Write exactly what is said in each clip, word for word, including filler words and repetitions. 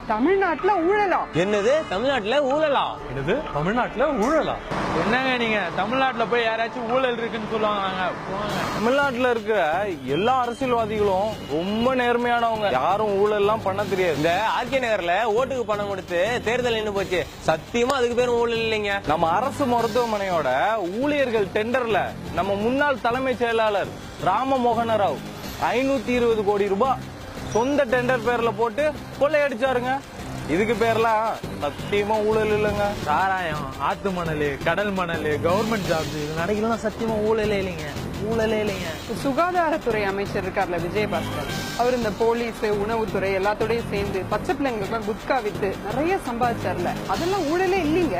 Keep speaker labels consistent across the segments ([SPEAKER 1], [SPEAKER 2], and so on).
[SPEAKER 1] தமிழ்நாட்டுல ஊழலா?
[SPEAKER 2] என்னது தமிழ்நாட்டுல ஊழலா?
[SPEAKER 3] என்னது தமிழ்நாட்டுல ஊழலா?
[SPEAKER 4] என்னங்க நீங்க தமிழ்நாட்டுல போய் யாராச்சும் ஊழல் இருக்குன்னு சொல்லுவாங்க?
[SPEAKER 2] தமிழ்நாட்டுல இருக்கிற எல்லா அரசியல்வாதிகளும் ரொம்ப நேர்மையானவங்க, யாரும் ஊழல் எல்லாம் பண்ண தெரியாது. இந்த ஆர்கே நகர்ல ஓட்டுக்கு பணம் கொடுத்து தேர்தல் நின்று போச்சு, சத்தியமா அதுக்கு பேரும் ஊழல் இல்லைங்க. நம்ம அரசு மருத்துவமனையோட ஊழியர்கள் டெண்டர்ல நம்ம முன்னாள் தலைமைச் செயலாளர் ராமமோகன ராவ் ஐநூத்தி இருபது கோடி ரூபாய் சொந்த டெண்டர் பேர்ல போட்டு கொள்ளையடிச்சாருங்க. இதுக்கு பேர்லாம் சத்தியமா ஊழல் இல்லைங்க.
[SPEAKER 4] சாராயம், ஆத்து மணல், கடல் மணல், கவர்மெண்ட் ஜாப்ஸ் இது நடக்கலாம், சத்தியமா ஊழலே இல்லைங்க, ஊழலே இல்லைங்க.
[SPEAKER 1] சுகாதாரத்துறை அமைச்சர் இருக்கார்ல விஜயபாஸ்கர், அவர் இந்த போலீஸ், உணவுத்துறை எல்லாத்தோடய சேர்ந்து பச்சை பிள்ளைங்களுக்கு குட்கா வித்து நிறைய சம்பாதிச்சார்ல, அதெல்லாம் ஊழலே இல்லைங்க.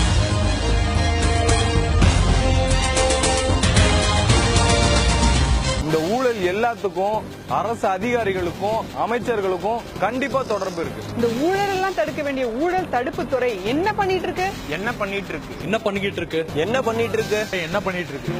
[SPEAKER 2] இந்த ஊழல் எல்லாத்துக்கும் அரசு அதிகாரிகளுக்கும் அமைச்சர்களுக்கும் கண்டிப்பா தொடர்பு இருக்கு.
[SPEAKER 1] இந்த ஊழல் எல்லாம் தடுக்க வேண்டிய ஊழல் தடுப்பு துறை என்ன பண்ணிட்டு இருக்கு?
[SPEAKER 2] என்ன பண்ணிட்டு இருக்கு?
[SPEAKER 3] என்ன பண்ணிக்கிட்டு இருக்கு?
[SPEAKER 2] என்ன பண்ணிட்டு இருக்கு?
[SPEAKER 4] என்ன பண்ணிட்டு இருக்கு?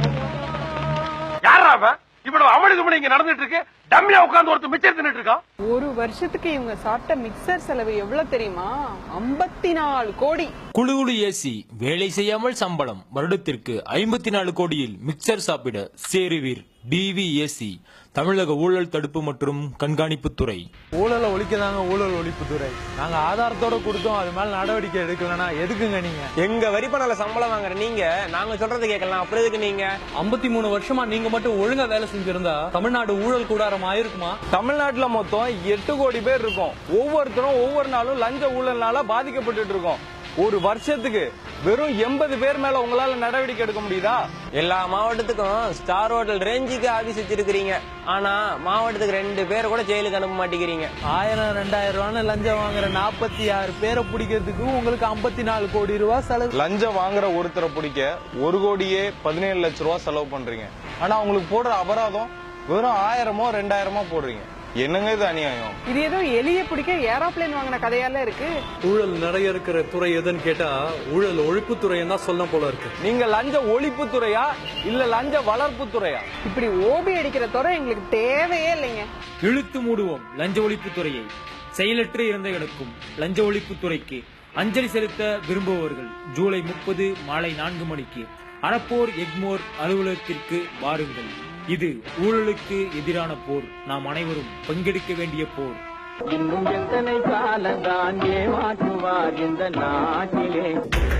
[SPEAKER 5] யாரா அவன்? இவ்வளவு அமளிதுமணி இங்க நடந்துட்டு இருக்கு, டம்மியா உட்கார்ந்து ஒருத்தர் மிச்சர் தின்னுட்டு இருக்கான்.
[SPEAKER 1] ஒரு வருஷத்துக்கு இவங்க சாப்பிட்ட மிக்சர் செலவு எவ்வளவு தெரியுமா? ஐம்பத்தி நாலு கோடி.
[SPEAKER 6] குழு குழு ஏசி, வேலை செய்யாமல் சம்பளம், வருடத்திற்கு ஐம்பத்தி நாலு கோடியில் மிக்சர் சாப்பிட சேருவீர். டிவிஏசி, தமிழக ஊழல் தடுப்பு மற்றும் கண்காணிப்பு துறை.
[SPEAKER 4] ஊழலை ஒழிக்கதாங்க ஊழல் ஒழிப்பு துறை. நாங்க ஆதாரத்தோட கொடுத்தோம், அது மேல நடவடிக்கை எடுக்கலன்னா எதுக்குங்க நீங்க?
[SPEAKER 2] எங்க வரி பணால சம்பளம் வாங்குற நீங்க நாங்க சொல்றது கேட்கலாம், அப்புறம் எதுக்கு நீங்க?
[SPEAKER 3] ஐம்பத்தி மூணு வருஷமா நீங்க மட்டும் ஒழுங்கா வேலை செஞ்சிருந்தா தமிழ்நாடு ஊழல் கூடாரம் ஆயிருக்குமா?
[SPEAKER 2] தமிழ்நாட்டுல மொத்தம் எட்டு கோடி பேர் இருக்கோம். ஒவ்வொருத்தரும் ஒவ்வொரு நாளும் லஞ்ச ஊழல்னால பாதிக்கப்பட்டு இருக்கோம். ஒரு வருஷத்துக்கு வெறும் எண்பது பேர் மேல உங்களால நடவடிக்கை எடுக்க முடியுதா? எல்லா மாவட்டத்துக்கும் ஸ்டார் ஹோட்டல் ரேஞ்சுக்கு ஆபீஸ் வச்சிருக்கீங்க, ஆனா மாவட்டத்துக்கு ரெண்டு பேர் கூட ஜெயிலுக்கு அனுப்ப மாட்டேங்கிறீங்க.
[SPEAKER 4] ஆயிரம் ரெண்டாயிரம் ரூபான்னு லஞ்சம் வாங்குற நாற்பத்தி ஆறு பேரை பிடிக்கிறதுக்கு உங்களுக்கு ஐம்பத்தி நாலு கோடி ரூபாய் செலவு.
[SPEAKER 2] லஞ்சம் வாங்குற ஒருத்தரை பிடிக்க ஒரு கோடியே பதினேழு லட்சம் ரூபாய் செலவு பண்றீங்க, ஆனா உங்களுக்கு போடுற அபராதம் வெறும் ஆயிரமோ ரெண்டாயிரமோ போடுறீங்க. என்னங்க இது அநியாயம்?
[SPEAKER 1] இது ஏதோ எலிய பிடிக்க ஏரோப்ளேன் வாங்கின கதையால இருக்கு.
[SPEAKER 3] ஊழல் நிறைய இருக்கிற துறை எதுன்னு கேட்டா ஊழல் ஒழிப்பு துறைன்னு தான் சொல்ல போல இருக்கு.
[SPEAKER 2] நீங்க லஞ்ச ஒழிப்பு துறையா இல்ல லஞ்ச வளர்ப்பு துறையா?
[SPEAKER 1] இப்படி ஓபி அடிக்கிற துறை எங்களுக்கு தேவையே இல்லைங்க.
[SPEAKER 6] இழுத்து மூடுவோம் லஞ்ச ஒழிப்பு துறையை. செயலற்று இறந்தவர்களுக்கும் லஞ்ச ஒழிப்பு துறைக்கு அஞ்சலி செலுத்த விரும்புபவர்கள் ஜூலை முப்பது மாலை நான்கு மணிக்கு அறப்போர் எக்மோர் அலுவலகத்திற்கு வாருங்கள். இது ஊழலுக்கு எதிரான போர். நாம் அனைவரும் பங்கெடுக்க வேண்டிய போர்.
[SPEAKER 7] இன்னும் எத்தனை காலந்தான் ஏமாற்றுவார் இந்த நாட்டிலே?